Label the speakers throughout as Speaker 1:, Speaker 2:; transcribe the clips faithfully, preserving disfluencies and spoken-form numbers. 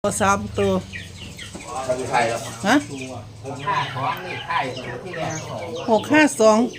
Speaker 1: สามตัว
Speaker 2: ไทยแล้ว
Speaker 1: ฮะ
Speaker 2: หกห้าสองนี่ไทยที่แรก
Speaker 1: หกห้าสอง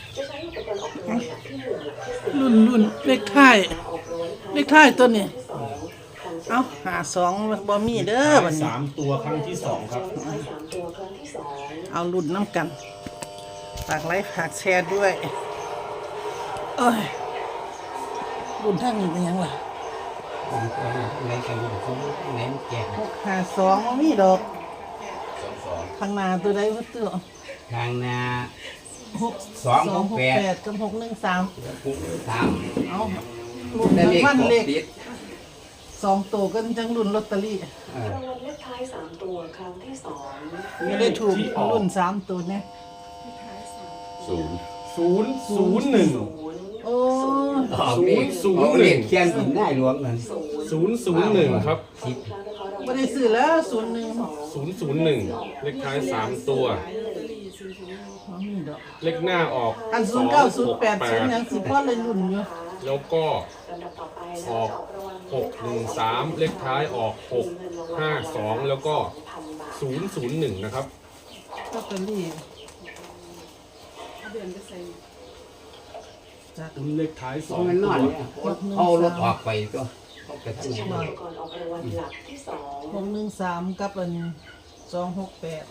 Speaker 1: รุ่นรุ่นเลขท้ายเลขท้ายตัวนี้เอาหาสองบอมีเด้อวันนี้
Speaker 3: สามตัวครั้งที่สองครับ
Speaker 1: เอารุ่นน้ำกันฝากไลค์ฝากแชร์ด้วยเอ้ยรุ่นทั้งนี้เป็นยังไง
Speaker 2: ในการรุ่นเขาเน้นแจก
Speaker 1: หกห้าสองบอมีดอกข้างหน้าตัวใดวัตถุ
Speaker 2: ทางนา
Speaker 1: หก
Speaker 2: สองหกแปด
Speaker 1: กับหกหนึ่งสาม
Speaker 2: สาม
Speaker 1: เอารุ่นรางวัลเลขสองตัวกันจังรุ่นลอตเตอรี่
Speaker 4: รางวัลเลขท้ายสามตัวครั้งที่สอง
Speaker 1: ไม่ได้ถูกรุ่นสามตัวเนี่ย
Speaker 3: ศูนย์ศูนย์ศูนย์หนึ่ง
Speaker 1: โอ้
Speaker 2: ศูนย์ศูนย์หนึ่งเขียนถึงได้รวมกัน
Speaker 3: ศูนย์ศูนย์หนึ่งครับ
Speaker 1: ไม่ได้ซื้อแล้วศูนย์หนึ่ง
Speaker 3: ศูนย์ศูนย์หนึ่งเลขท้ายสามตัวเลขหน้าออก
Speaker 1: อันศูนย์เก้าศูนย์แปดศูนย์ยังสิพ่อเลยรุ่นอยู่
Speaker 3: แล้วก็ออกหกหนึ่งสามเลขท้ายออกหกห้าสองแล้วก็ศูนย์ศูนย์หนึ่งนะครับ
Speaker 1: ลอตเตอรี่
Speaker 3: เลขท้ายสอง
Speaker 2: ตัวเอารถออกไปก็
Speaker 4: จะใช้อุปกรณ์ออกรางวัลหลักที่สอง
Speaker 1: หกหนึ่งสามกับอันสองหกแปด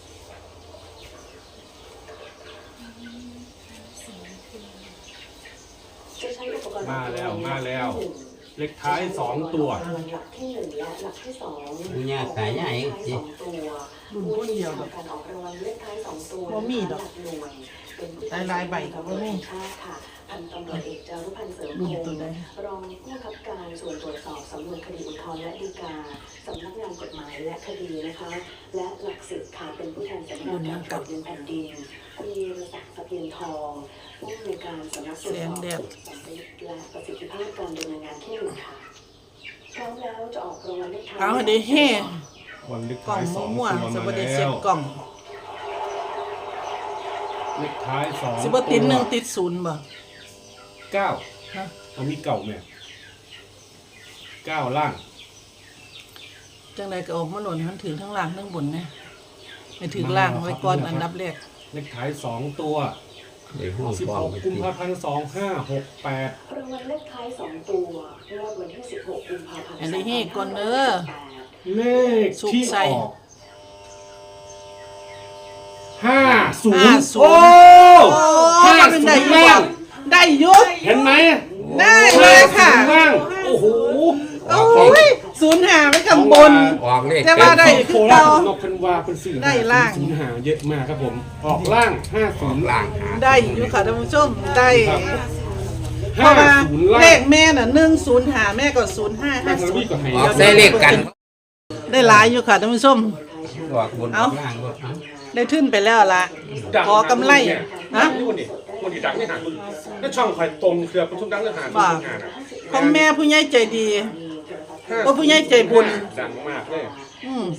Speaker 3: มาแล้วมาแล้วเลขท้ายสองตัว
Speaker 4: หลักที่หนึ่งและหลักที่สอง
Speaker 2: เนี่ยขายใหญ่
Speaker 4: จริงรุ่นคนเดียวแบบการออกรางวัลเลขท้ายสองตัว
Speaker 1: บ่มีดอกหลายๆใบก็บ่มี
Speaker 4: ค่ะพันตำรวจเอกจารุพันธ์เสริมพงศ์รองผู้บังคับการส่วนตรวจสอบสำนวนคดีอุทธรณ์และฎีกาสำนักงานกฎหมายและคดีนะคะและหลักสิทธิ์ค่ะเป็นผู้แทนสำนักงานการตรวจแผ่นดินคุณยีรศักดิ์สะเพียนทองผู้อำนวยการสำนักตรวจสอบสำเร็จและประสิทธิภาพการดำเนินงานที่หนึ่งค่ะพร้อมแล้วจะออกรางวัลเลขท้าย
Speaker 1: เอาเดี๋ยวเฮ่
Speaker 3: วันเลข
Speaker 1: กล่อ
Speaker 3: ท้าย
Speaker 1: ง
Speaker 3: สอง
Speaker 1: มั่ว
Speaker 3: ตัว
Speaker 1: ๆส
Speaker 3: มา
Speaker 1: บัสดีเสี
Speaker 3: แล้ว
Speaker 1: ยบกล่อง
Speaker 3: เลขท้ายสอง
Speaker 1: สิบติดหนึ่งติดศูนย์บ่
Speaker 3: เก้า
Speaker 1: ฮะ
Speaker 3: เอามีเก่าแม่เก้าล่าง
Speaker 1: จังไรก็ออกมาหล่นทั้งถึงทั้งล่างทั้งบนนะไม่ถึงล่างไว้ก่อนอันดับแรก
Speaker 3: เลขท้ายสองตัวสิบหกกุมภาพันธ์สองห้าหกแปด
Speaker 4: รางวัลเลขท้ายสองตัวงวดวันที่สิบหกกุมภาพันธ์
Speaker 1: อันนี้ให้ก่อนเด้อ
Speaker 3: เลขที่ออกห้าศูนย์โอ้
Speaker 1: ห้าเป็นได้ยังได้ยุบ
Speaker 3: เห็นไหม
Speaker 1: ได้เลยค่ะ
Speaker 3: โอ้โห
Speaker 1: โอ้ยศูนย์หาไม่กำบนแต่ว่าได้คือเรา
Speaker 3: นกพันวาเป็นสื่อ
Speaker 1: ได้ล่าง
Speaker 3: ศูนย์หาเยอะมากครับผมออกล่างห้าศูนย์ล่าง
Speaker 1: ได้อยู่ค่ะท่านผู้ชมได้เพราะว่าเลขแม่น่ะหนึ่งศูนย์หาแม่ก็ศูนย์ห้าห้าศูนย์
Speaker 2: ได้เลขกัน
Speaker 1: ได้หลายอยู่ค่ะท่านผู้ชมเอาได้ขึ้นไปแล้วละขอกำไรฮะ
Speaker 3: คนที่ดังไม่หาคุณถ้าช่องคอยตรงเครือเป็นช่องดังเรื่องหาคุณหา
Speaker 1: ของแม่ผู้ใหญ่ใจดีว่าผู้ใหญ่ใจบุญ
Speaker 3: ดังมากเลย
Speaker 1: อืม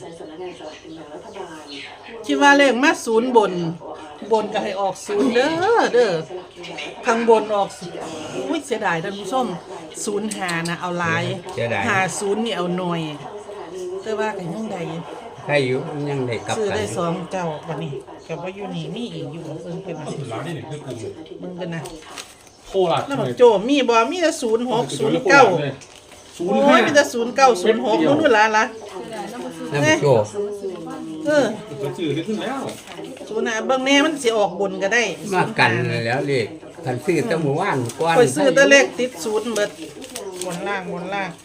Speaker 1: คิดว่าเลขมาศูนย์บนบนก็ให้ออกศูนย์เด้อเด้อข้างบนออกอุ้ยเสียดายท่านผู้ชมศูนย์หานะเอาลายหาศูนย์นี่เอาหน่อยแต่ว่ากันยังใด
Speaker 2: ได้อยู่ยังได้กลับ
Speaker 1: ซื้อได้สองเจ้าวันนี้กับว่าอยู่นี่มีอีกอยู่เพิ่งเป็นอะไร
Speaker 3: ร้านนี่คือกู
Speaker 1: มึงกันนะ
Speaker 3: โคราช
Speaker 1: แล้วโจมีบ่มีแต่ศูนย์หกศูนย์เก้าโอ้ยมีแต่ศูนย์เก้าศูนย์หกนู่นนู่นละละ
Speaker 2: นี่โจ
Speaker 1: เออ
Speaker 3: ซื้อได้ขึ้นแล้ว
Speaker 1: ศูนย์น่ะบางแน่มันสิออกบนก็ได้
Speaker 2: มากันแล้วเลขคันซื้อแต่หมู่บ้านกว้าน
Speaker 1: ไปซื้อแต่เลขติดศูนย์เบิดบนล่างบนล่าง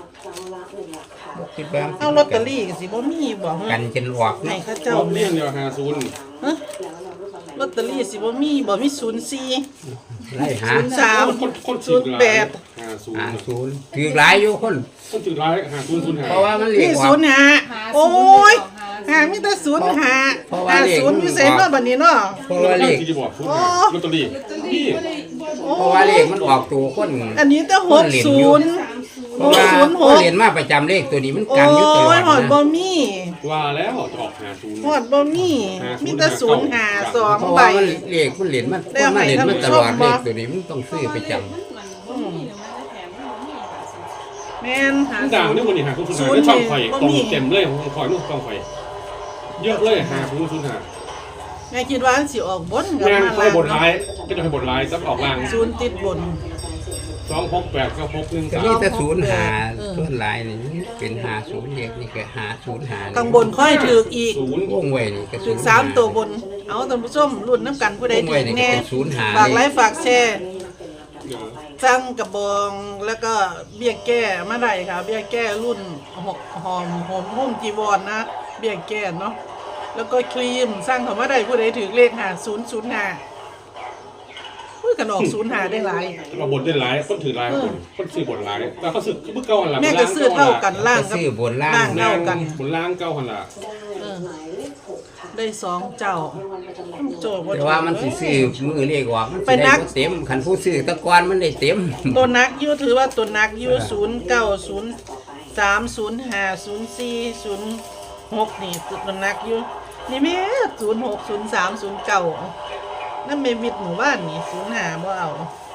Speaker 1: เอาลอตเตอรี่ก็สิบ่มีบ่
Speaker 2: กันจนออก
Speaker 1: ให้เขาเจ้า
Speaker 3: เรื่องเดียวหาศูนย์
Speaker 1: ฮะลอตเตอรี่สิบ่มีบ่มีศูนย์สี่
Speaker 2: ไล่หา
Speaker 1: ศูนย์สามศูนย์แปด
Speaker 3: หาศูนย์
Speaker 2: หาศูนย์ถือหลายอยู่คน
Speaker 3: คนถือหลายหาศูนย์ศูนย์หา
Speaker 2: เพราะว่ามันเรียกว่า
Speaker 1: ศูนย์หาโอ้ยหามีแต่ศูนย์หาหาศูนย์อยู่เซ็นเนาะบัดนี้เนาะ
Speaker 2: เพราะว่าเลข
Speaker 3: ที่จะบอกศูนย์ลอตเตอรี่นี่
Speaker 2: เพราะว่าเลขมันออกตัวคน
Speaker 1: อันนี้แต่หกศูนย์
Speaker 2: เพราะว่าเขาเรียนมาประจำเลขตัวนี้มันกันอยู่ตลอด
Speaker 1: นะหอดบ่มี
Speaker 3: ว่าแล้วจะออกหาศูนย์
Speaker 1: หอดบ่มีมีแต่ศูนย์หาสองใบ
Speaker 2: เลขมันเรียนมันมันเรียนมาตลอดเลขตัวนี้มันต้องซื้อประจำ
Speaker 1: แม่นหา
Speaker 3: ด่าง
Speaker 1: ศูน
Speaker 3: นี่
Speaker 1: ย์
Speaker 3: วันนี้หาคุณสุน
Speaker 1: ศู
Speaker 3: หาน
Speaker 1: ย์
Speaker 3: ได้ช่องไฟ
Speaker 1: นี่บ่
Speaker 3: ตรง
Speaker 1: มี
Speaker 3: เต็มเลยของคอยนู่นช่องไฟเยอะเลยหาคุณสุนหา
Speaker 1: แม่คิดว่ามันสิออกบนกับ
Speaker 3: แม่ง
Speaker 1: มา
Speaker 3: เขา
Speaker 1: ล่าง
Speaker 3: บทร้าย
Speaker 1: เนาะ
Speaker 3: ก็จะให้บทร้ายซับออกล่าง
Speaker 1: ศูนย์ติดบน
Speaker 3: สองหกแปดก็หกหนึ่ง
Speaker 2: ก็
Speaker 3: สาม
Speaker 2: มีแต่ศูนย์หา
Speaker 1: เออ
Speaker 2: ส่วนหลายนี่เป็นหาศูนย์เด็กนี่ก็หาศูนย์หา
Speaker 1: ข้างบนค่อยถืออีก
Speaker 3: ศูนย์
Speaker 2: วงไว้นี่ก็
Speaker 1: ถือสามตัวบน เอาท่านผู้ชมรุ่นน้ำกันผู้ใด
Speaker 2: วง
Speaker 1: ถื
Speaker 2: ไว้
Speaker 1: อ
Speaker 2: นี่ก็
Speaker 1: แน่
Speaker 2: เป็นศูนย์หา
Speaker 1: ฝากไล
Speaker 2: เลย
Speaker 1: ค์ฝากแชร์สั่งกระบองแล้วก็เบี้ยแก้มาได้ค่ะ เบี้ยแก้รุ่นหอหอมหอมหุ้มจีวรนะ เบี้ยแก้เนาะแล้วก็ครีมสร้างเขามาได้ผู้ใดถือเลขหาศูนย์ศูนย์หาพูดกันออกศูนย์หาได้หลาย
Speaker 3: เราบทได้หลายคนถือหลายคนคนซื้อบทหลายแต่เขาซื้อเมื่อเก้าหันหลัง
Speaker 1: แม่ก็ซื้อเท่ากันล่าง
Speaker 2: ก็
Speaker 1: กับ
Speaker 2: ซื้อบนล่าง
Speaker 1: ล่าง
Speaker 3: ล่า
Speaker 1: เท่าง กัน
Speaker 3: บนล่างเก้าหันหลัง
Speaker 1: เออ
Speaker 4: หมายเลขหกค่ะ
Speaker 1: ได้สองเจ้าโจทย์
Speaker 2: แต่ว่ามันสิซื้อมือเลขออกมันสิ
Speaker 1: ไปนั
Speaker 2: ได้
Speaker 1: ก
Speaker 2: บ่เต็มคันผู้ซื้อแตะกอนมันได้เต็ม
Speaker 1: ตัวนักอยูถือว่าตัวนักอยูศูนย์เก้าศูนย์สามศูนย์ห้าศูนย์สี่ศูนย์หกนี่ตัวนักอยูนี่แม่ศูนย์หกศูนย์สามศูนย์เก้านั่นเมมิดหมู่บ้านนี่ศูนย์ห้าบ่เอา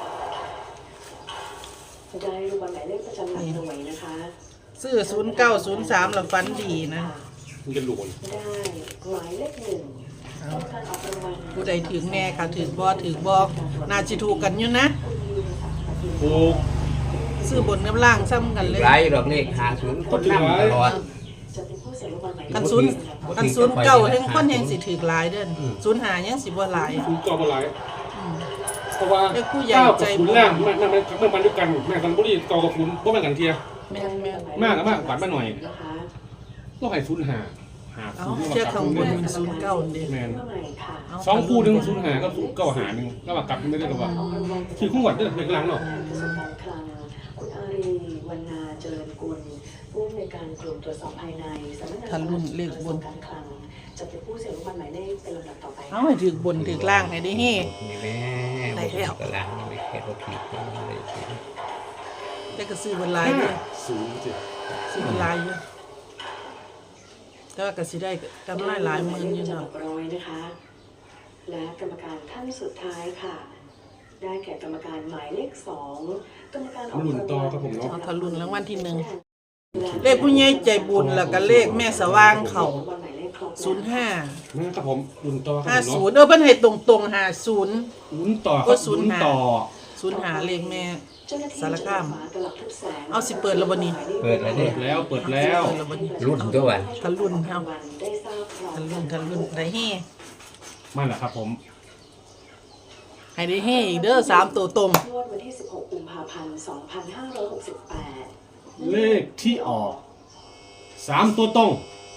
Speaker 4: ได้รูปหมายเลขประจำหลักหน่วยนะคะ
Speaker 1: ซื้อศูนย์เก้าศูนย์สามแล้วฟันดีนะ
Speaker 3: มันจะหลวน
Speaker 4: ได้หมายเลขหนึ่งต้องการออกรางวัล
Speaker 1: ผู้ใดถึงแน่ค่ะถึงบ่ถึงบ่น่าจิถูกกันอยู่นะ
Speaker 3: โอ้
Speaker 1: ซื้อบนกับล่างซ้ำกันเลย
Speaker 2: หลายดอกเลขหาศูนย์คนนำตลอด
Speaker 4: จะเป็นผู้เสียรางวัลหมายเล
Speaker 1: คั
Speaker 4: ข
Speaker 1: นศูนย์คันศูนย์เก้าแห่งคนแห่งสิถือหลายเด้อศูนย์ห้ายังสิบ่หลาย
Speaker 3: คุณก็มาหลายเพราะว่า
Speaker 1: เด็กผู้ใหญ่
Speaker 3: เก้า
Speaker 1: ใจ
Speaker 3: กับคุณล่างแม่แม่แม่แม่มันด้วยกันแม่กันบุรีเก้ากับคุณบ่แม่นกันเทีย
Speaker 1: แม่นแม่น
Speaker 3: มากกับมากกว่ามาหน่อย
Speaker 4: นะคะ
Speaker 3: ก็ให้ศูนย์หาหา
Speaker 1: เอา
Speaker 3: ศูนย์
Speaker 1: เทียบข้างบนมันศูนย์เก้าเด้
Speaker 3: แม่น
Speaker 4: เมื่อไหร่ค่ะ
Speaker 1: เา
Speaker 3: สองคู่หนึ่งศูนย์หาก็ศูนย์เก้าหาหนึ่งแล้วมากลับไม่ได้หรอกว่าคือคู่หวัดเด้อเด็กหลังเนาะ
Speaker 4: กระทรวงการคลังคุณอารีวรรณาเจริญกุลผู้อำนวยการกลุ่มตรวจสอบภายในสำนักงาน
Speaker 1: ทะลุเลขบน
Speaker 4: การคลังจะเป็นผู้เสียรางวัลหมายเลขเป็นลำดับต่อไป
Speaker 1: เอาให้ถึกบนถึกล่างให้ได้เฮ้
Speaker 2: นี่แม่
Speaker 1: ได้แล้ว
Speaker 2: กำลังนี่ไม่แค่บ่ผิดเลย
Speaker 1: แต่ก็ซื้อบนลายอยู่
Speaker 3: ศูนย์เจ็ด
Speaker 1: ซื้อบนลายอยู่แต่ว่าก็สิได้กำไรหลายหมื่นอยู่
Speaker 4: จะ
Speaker 1: เนาะ
Speaker 4: ออกรางวัลนะคะ และกรรมการท่านสุดท้ายค่ะ ได้แก่กรรมการหมายเลขสองกรรมการออก
Speaker 3: รุ่น
Speaker 4: ราง
Speaker 3: ต่อ
Speaker 4: วัล
Speaker 3: ครับผมเนาะ
Speaker 1: เอาทะลุนรางวัลที่หนึ่งเลขผู้ใหญ่ใจบุญแล้วก็เลขแม่สว่างเขาศูนย์ห้า
Speaker 3: นะครับผมรุ่นต่อค
Speaker 1: ห้า
Speaker 3: รับผม
Speaker 1: ศู
Speaker 3: เนาะ
Speaker 1: นย์เออเพิ่นให้ตรงตรงห้าศูนย์
Speaker 3: รุ่นต่อค
Speaker 1: ก็
Speaker 3: รับ
Speaker 1: ศูนย์
Speaker 3: รุ่น
Speaker 1: หา
Speaker 3: ต่อ
Speaker 1: ศูนย์หาเลขแม่ สารคาม เอา
Speaker 4: เอา
Speaker 1: สิ
Speaker 4: สิ
Speaker 1: เปิ
Speaker 4: เปิ
Speaker 1: ด
Speaker 4: ด
Speaker 1: แล้
Speaker 4: แล้ว ว
Speaker 1: บั
Speaker 4: บั
Speaker 1: ด
Speaker 4: ด
Speaker 1: นี้
Speaker 4: นี้
Speaker 3: เปิดแล้วเปิดแล้ว
Speaker 1: เปิดแล้วบัดนี้
Speaker 2: รุ่นตัววัน
Speaker 1: ทะลุนเฮาทะลุนทะลุนได้เฮ้
Speaker 3: มาแล้วครับผม
Speaker 1: ให้ได้เฮ้อีกเด้อสามตัวตรง
Speaker 4: งวดวันที่สิบหกกุมภาพันธ์สองพันห้าร้อยหกสิบแปด
Speaker 3: เลขที่ออกสามตัวตรง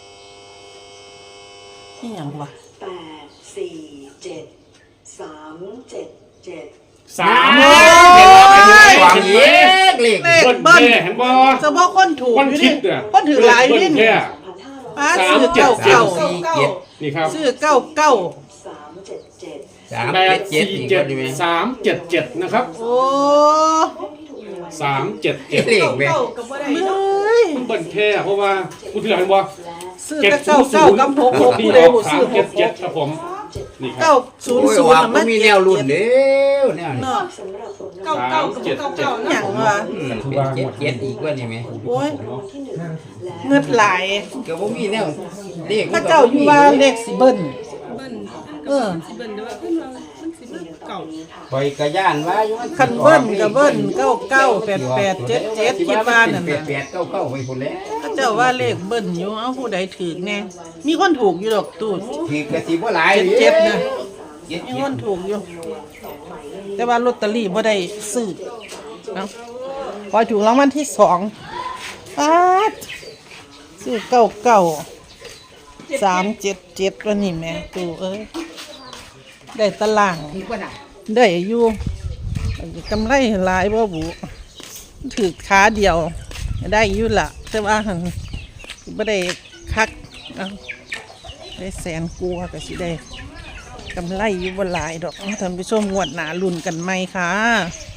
Speaker 1: นี่หยังวะ
Speaker 4: แปดสี่เจ็ดสามเจ็ดเจ็ด
Speaker 3: สาม
Speaker 1: โอ้ย
Speaker 2: วางเยกเลข
Speaker 1: เลข
Speaker 3: เบิ้ล
Speaker 1: เบิ้ล
Speaker 3: แค่เห็นบ่
Speaker 1: เฉพาะคนถูก
Speaker 3: คน
Speaker 1: อยู่
Speaker 3: คิ
Speaker 1: นี่
Speaker 3: ดเนี่ย
Speaker 1: คนถือหลายอยู่
Speaker 3: เบิ้ล
Speaker 1: นี่
Speaker 3: แค่
Speaker 1: ป้า
Speaker 3: สาม
Speaker 1: ซื้อ
Speaker 3: เจ็ด
Speaker 1: เก้า
Speaker 2: สา
Speaker 1: เก้าม
Speaker 2: สี่เจ็ด
Speaker 3: นี่ครับ
Speaker 1: ซื้อเก้าเก้า
Speaker 4: สามเจ็ดเจ็ด
Speaker 2: สาม
Speaker 3: แป
Speaker 2: เจ็
Speaker 3: ด
Speaker 2: ดเจ็ด
Speaker 3: สี่
Speaker 2: อีก
Speaker 3: เจ็ด
Speaker 2: คนดีไหม
Speaker 3: สามเจ็ดเจ็ดนะครับ
Speaker 1: โอ้
Speaker 3: สามเจ็ดเจ็ด
Speaker 2: เลขแม่
Speaker 1: เฮ้ย
Speaker 3: เบิ้ลแค่เพราะว่าคุณที่เราเห็นบ่
Speaker 1: ซื้อแต่เก้าเก้ากับหกหก
Speaker 3: ที่
Speaker 1: ผู้
Speaker 3: อ
Speaker 1: ใด
Speaker 3: อก
Speaker 1: บ่
Speaker 3: สา
Speaker 1: ซื้
Speaker 3: ม
Speaker 1: อห
Speaker 3: เจ็ด
Speaker 1: กห
Speaker 3: เจ็ด
Speaker 1: ก
Speaker 3: ครับผมนี่ค
Speaker 1: เก้า
Speaker 3: รับ
Speaker 1: ศูนย์
Speaker 2: โอ้ย
Speaker 1: ศูน
Speaker 2: ว่า
Speaker 1: ย์
Speaker 2: บ่มีแนวรุ่นเด้อแนวนี้
Speaker 1: เนาะ
Speaker 4: สำหรับผล
Speaker 3: สามเจ็ดเจ็ด
Speaker 1: หยังวะ
Speaker 2: อืมเป็นเจ็ดเจ็ดอีกว่านี่ไหม
Speaker 1: โอ้ย
Speaker 4: ที่หนึ่งและ
Speaker 1: เงิดหลาย
Speaker 2: ก็บ่มีแนวเลข
Speaker 1: ถ้าเจ้าอยู่ว่าเลขสิเบิ้ลเออ
Speaker 2: ปล่อยกระย่านว่าอยู่มัน
Speaker 1: คันเบิ้ลกับเบิ้ลเก้าเก้าแปดแปดเจ็ดเจ็ดคิดว่านั่น
Speaker 2: แปด
Speaker 1: น่ะ
Speaker 2: แปดเก้าเก้าไปพุ่นแล้ว
Speaker 1: ถ้าเจ้าว่าเลขเบิ้ลอยู่เอาผู้ใดถือแน่มีคนถูกอยู่ดอกตูด
Speaker 2: ถือกระสิบ่หลาย
Speaker 1: เจ็ดเจ็ดนะ
Speaker 2: เจ็ด
Speaker 1: มี
Speaker 2: เจ็
Speaker 1: ค
Speaker 2: ด
Speaker 1: นถูกอยู่ แต่ว่าลอตเตอรี่บ่ได้ซื้อเอาพอถูกรางวัลที่สองป๊าดซื้อเก้าเก้าสามเจ็ดเจ็ดแล้วนี่แม่ตูเอ้ยได้ตารางได้อยู่กำไรหลายบ่บุถือขาเดียว ได้อยู่ละแต่ว่าหั่นบ่ได้คักเอาได้แสนกลัวาก็สิได้กำไรอยู่บ่หลายดอกท่านผู้ชมงวดหนาลุ่นกันไหมค่ะ